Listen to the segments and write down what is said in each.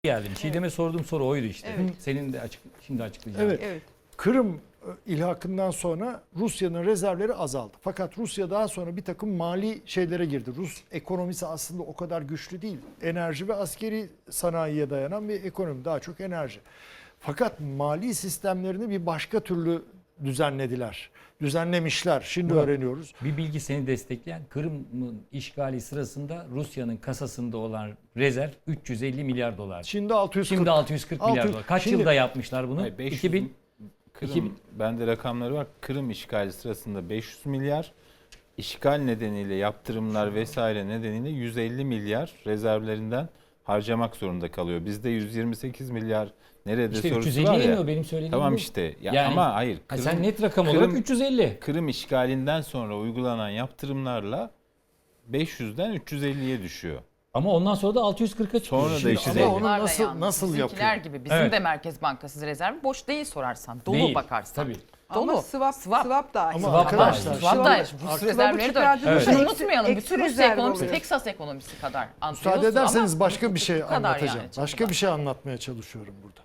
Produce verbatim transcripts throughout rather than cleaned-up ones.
geldim. Çiğdem'e Evet. sorduğum soru oydu işte. Evet. Senin de açık, şimdi açıklayacağım. Evet. Evet. Kırım ilhakından sonra Rusya'nın rezervleri azaldı. Fakat Rusya daha sonra bir takım mali şeylere girdi. Rus ekonomisi aslında o kadar güçlü değil. Enerji ve askeri sanayiye dayanan bir ekonomi. Daha çok enerji. Fakat mali sistemlerini bir başka türlü düzenlediler. Düzenlemişler. Şimdi Murat, öğreniyoruz. Bir bilgi seni destekleyen, Kırım'ın işgali sırasında Rusya'nın kasasında olan rezerv üç yüz elli milyar dolar. Şimdi altı yüz kırk. Şimdi altı yüz kırk milyar altı yüz dolar. Kaç Şimdi- yılda yapmışlar bunu? Hayır, beş yüz iki bin Kırım, iki bin bende rakamları var. Kırım işgali sırasında beş yüz milyar, işgal nedeniyle yaptırımlar vesaire nedeniyle yüz elli milyar rezervlerinden harcamak zorunda kalıyor. Bizde yüz yirmi sekiz milyar nerede İşte sorusu üç yüz var elli ya. iniyor benim söylediğim Tamam bu. işte. Ya Yani- ama hayır. Ha, Kırım, sen net rakam Kırım- olarak üç yüz elli. Kırım işgalinden sonra uygulanan yaptırımlarla beş yüzden üç yüz elliye düşüyor. Ama ondan sonra da altı yüz kırka çıkıyor. Sonra da Şimdi işte- Ama Ama onu Bunlarla nasıl yalnız nasıl bizimkiler yapıyor? gibi bizim Evet. de Merkez Bankası rezervi boş değil sorarsan. Dolu Değil, bakarsan. tabii. Dolu. Ama swap, Swap. swap da aynı. Ama arkadaşlar, Swap da swap- Rus swap'ı rezervleri de öyle. çıkardığınız Şunu eksi- unutmayalım. eksi Bütün Rusya rezerv ekonomisi oluyor. Texas ekonomisi kadar. Müsaade Anlıyorsun ederseniz ama başka bir şey bu kadar anlatacağım. yani, başka çok bir şey anlatmaya çalışıyorum burada.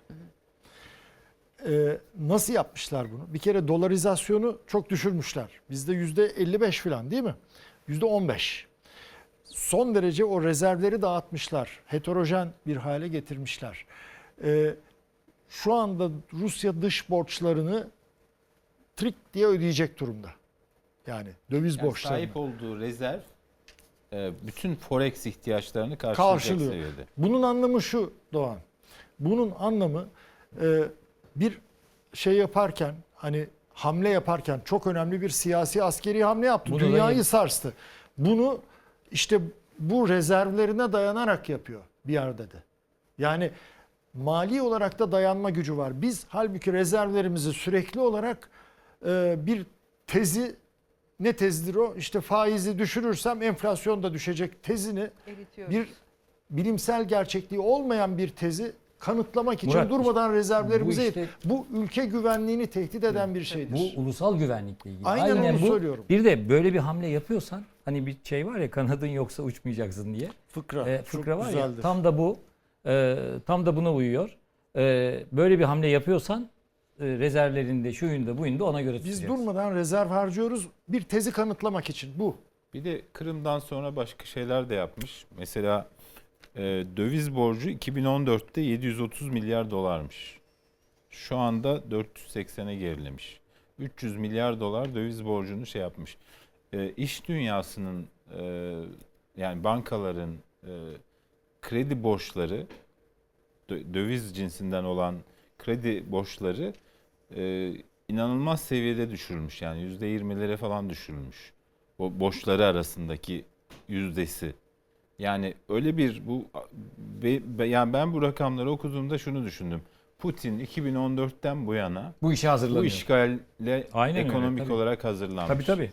Ee, nasıl yapmışlar bunu? Bir kere dolarizasyonu çok düşürmüşler. Bizde yüzde elli beş falan değil mi? Yüzde on beş. Son derece o rezervleri dağıtmışlar. Heterojen bir hale getirmişler. Ee, şu anda Rusya dış borçlarını trik diye ödeyecek durumda. Yani döviz Yani borçlarını. sahip olduğu rezerv e, bütün forex ihtiyaçlarını karşılayacak Karşılıyor. seviyede. Bunun anlamı şu Doğan. Bunun anlamı e, bir şey yaparken hani hamle yaparken çok önemli bir siyasi askeri hamle yaptı. Bunu da Dünyayı yap- sarstı. Bunu işte bu rezervlerine dayanarak yapıyor bir yerde de. Yani mali olarak da dayanma gücü var. Biz halbuki rezervlerimizi sürekli olarak e, bir tezi, ne tezdir o? İşte faizi düşürürsem enflasyon da düşecek tezini Eritiyoruz. bir bilimsel gerçekliği olmayan bir tezi kanıtlamak için Murat, durmadan rezervlerimizi bu işte- bu ülke güvenliğini tehdit eden bir şeydir. Bu ulusal güvenlikle ilgili. Aynen onu bu. söylüyorum. Bir de böyle bir hamle yapıyorsan hani bir şey var ya, kanadın yoksa uçmayacaksın diye. fıkra. Ee, çok fıkra var ya, güzeldir. tam da bu. e, tam da buna uyuyor. E, böyle bir hamle yapıyorsan e, rezervlerinde, şuyunda, buyunda ona göre Biz tutacaksın. durmadan rezerv harcıyoruz bir tezi kanıtlamak için bu. Bir de Kırım'dan sonra başka şeyler de yapmış. Mesela e, döviz borcu iki bin on dörtte yedi yüz otuz milyar dolarmış. Şu anda dört yüz seksene gerilemiş. üç yüz milyar dolar döviz borcunu şey yapmış. E, iş dünyasının e, yani bankaların e, kredi borçları, dö- döviz cinsinden olan kredi borçları e, inanılmaz seviyede düşürülmüş. Yani yüzde yirmilere falan düşürülmüş. O borçları arasındaki yüzdesi. Yani öyle bir bu be- be- yani ben bu rakamları okuduğumda şunu düşündüm. Putin iki bin on dörtten bu yana Bu işe hazırlanıyor. bu işgalle Aynen öyle, ekonomik tabii. olarak hazırlanmış. Tabii tabii.